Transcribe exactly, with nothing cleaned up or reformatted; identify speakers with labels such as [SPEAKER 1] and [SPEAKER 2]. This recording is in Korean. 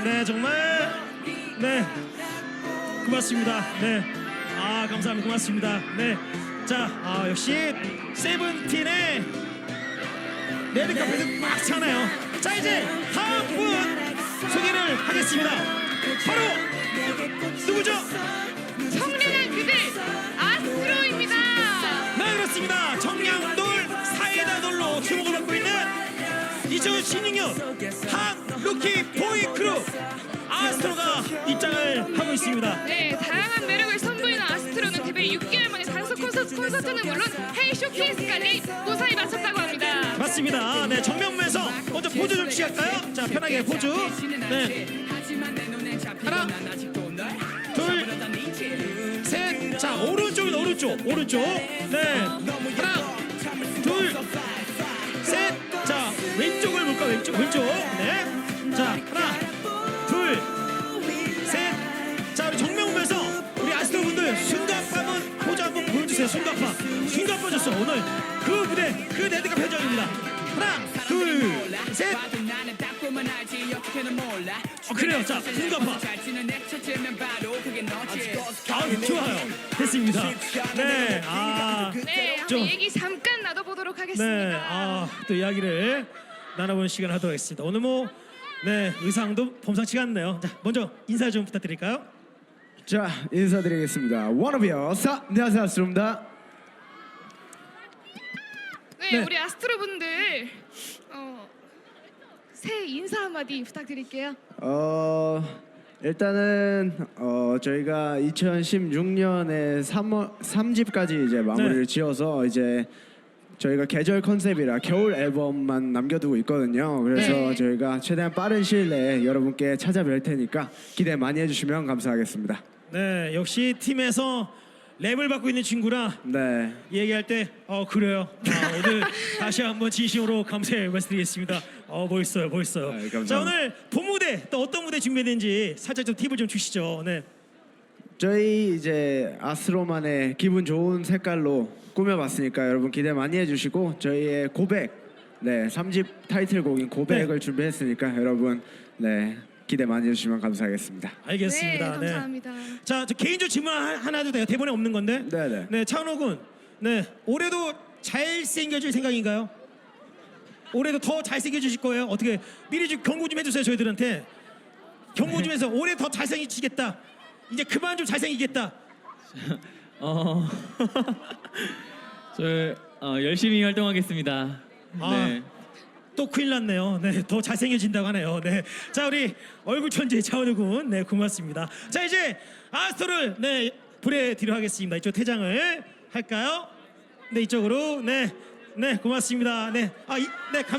[SPEAKER 1] 네, 정말 네, 고맙습니다. 네, 아 감사합니다. 고맙습니다. 네, 자, 아, 역시 세븐틴의 레드카펫은 꽉 차네요. 자, 이제 다음 분 소개를 하겠습니다. 바로 누구죠?
[SPEAKER 2] 청량한 그들 아스트로입니다.
[SPEAKER 1] 네, 그렇습니다. 청량돌 사이다돌로 주목을 받고 있는 이천십육 년 한 루키 보이 크루 아스트로가 입장을 하고 있습니다.
[SPEAKER 2] 네, 다양한 매력을 선보이는 아스트로는 데뷔 육 개월 만에 단속 콘서트, 콘서트는 물론 헤이 쇼케이스까지 무사히 마쳤다고 합니다.
[SPEAKER 1] 맞습니다. 네, 정면부에서 먼저 포즈 좀 취할까요? 자, 편하게 포즈. 네, 하나, 둘, 셋. 자, 오른쪽은 오른쪽, 오른쪽. 네, 하나, 둘, 셋. 자, 왼쪽을 볼까? 왼쪽, 왼쪽. 네. 자, 하나, 둘, 셋. 자, 우리 정면부에서 우리 아스트로 분들 순간파문 포즈 한번 보여주세요. 순간파. 순간파 줬어. 오늘 그 무대, 그 레드가 표정입니다. 하나, 둘, 셋. 어, 그래요. 자, 순간파. 아, 좋아요. 됐습니다. 네, 아,
[SPEAKER 2] 네, 한번
[SPEAKER 1] 좀,
[SPEAKER 2] 얘기 잠깐 나눠보도록 하겠습니다.
[SPEAKER 1] 네, 아, 또 이야기를 나눠보는 시간 하도록 하겠습니다. 오늘 뭐, 네, 의상도 범상치가 않네요. 자, 먼저 인사 좀 부탁드릴까요?
[SPEAKER 3] 자, 인사드리겠습니다. 워너비어 사, 안녕하세요, 아스트로입니다.
[SPEAKER 2] 네,
[SPEAKER 1] 네.
[SPEAKER 2] 우리 아스트로 분들 어, 새해 인사 한마디 부탁드릴게요.
[SPEAKER 3] 어, 일단은 어, 저희가 이천십육 년에 삼월 삼 집까지 이제 마무리를
[SPEAKER 1] 네. 지어서
[SPEAKER 3] 지어서 이제 저희가 계절 컨셉이라 겨울 앨범만 남겨두고 있거든요. 그래서
[SPEAKER 2] 네.
[SPEAKER 3] 저희가 최대한 빠른 시일 내에 여러분께 찾아뵐 테니까 기대 많이 해주시면 감사하겠습니다.
[SPEAKER 1] 네, 역시 팀에서 랩을 받고 있는 친구라
[SPEAKER 3] 네.
[SPEAKER 1] 얘기할 때, 어, 그래요. 아, 오늘 다시 한번 진심으로 감사의 말씀드리겠습니다. 어, 멋있어요, 멋있어요.
[SPEAKER 3] 네, 감사합니다.
[SPEAKER 1] 자, 오늘 본 무대 또 어떤 무대 준비했는지 살짝 좀 팁을 좀 주시죠. 네.
[SPEAKER 3] 저희 이제 아스트로만의 기분 좋은 색깔로 꾸며봤으니까 여러분 기대 많이 해주시고 저희의 고백, 네, 삼 집 타이틀곡인 고백을
[SPEAKER 1] 네.
[SPEAKER 3] 준비했으니까 여러분 네 기대 많이 해주시면 감사하겠습니다.
[SPEAKER 1] 알겠습니다.
[SPEAKER 2] 네, 감사합니다.
[SPEAKER 1] 자, 저 개인적 질문 하- 하나 해도 돼요? 대본에 없는 건데.
[SPEAKER 3] 네네.
[SPEAKER 1] 네, 차은호 군. 네, 올해도 잘생겨질 생각인가요? 올해도 더 잘생겨지실 거예요? 어떻게 미리 좀 경고 좀 해주세요, 저희들한테. 경고 좀 해서 올해 더 잘생기시겠다. 이제 그만 좀 잘생기겠다.
[SPEAKER 4] 어, 저 어, 열심히 활동하겠습니다.
[SPEAKER 1] 아.
[SPEAKER 4] 네.
[SPEAKER 1] 또 큰일 났네요. 네, 더 잘생겨진다고 하네요. 네, 자, 우리 얼굴 천재 차은우 군, 네, 고맙습니다. 자, 이제 아스트로를 네 보내드리도록 하겠습니다. 이쪽 퇴장을 할까요? 네, 이쪽으로, 네, 네, 고맙습니다. 네, 아, 이, 네, 감.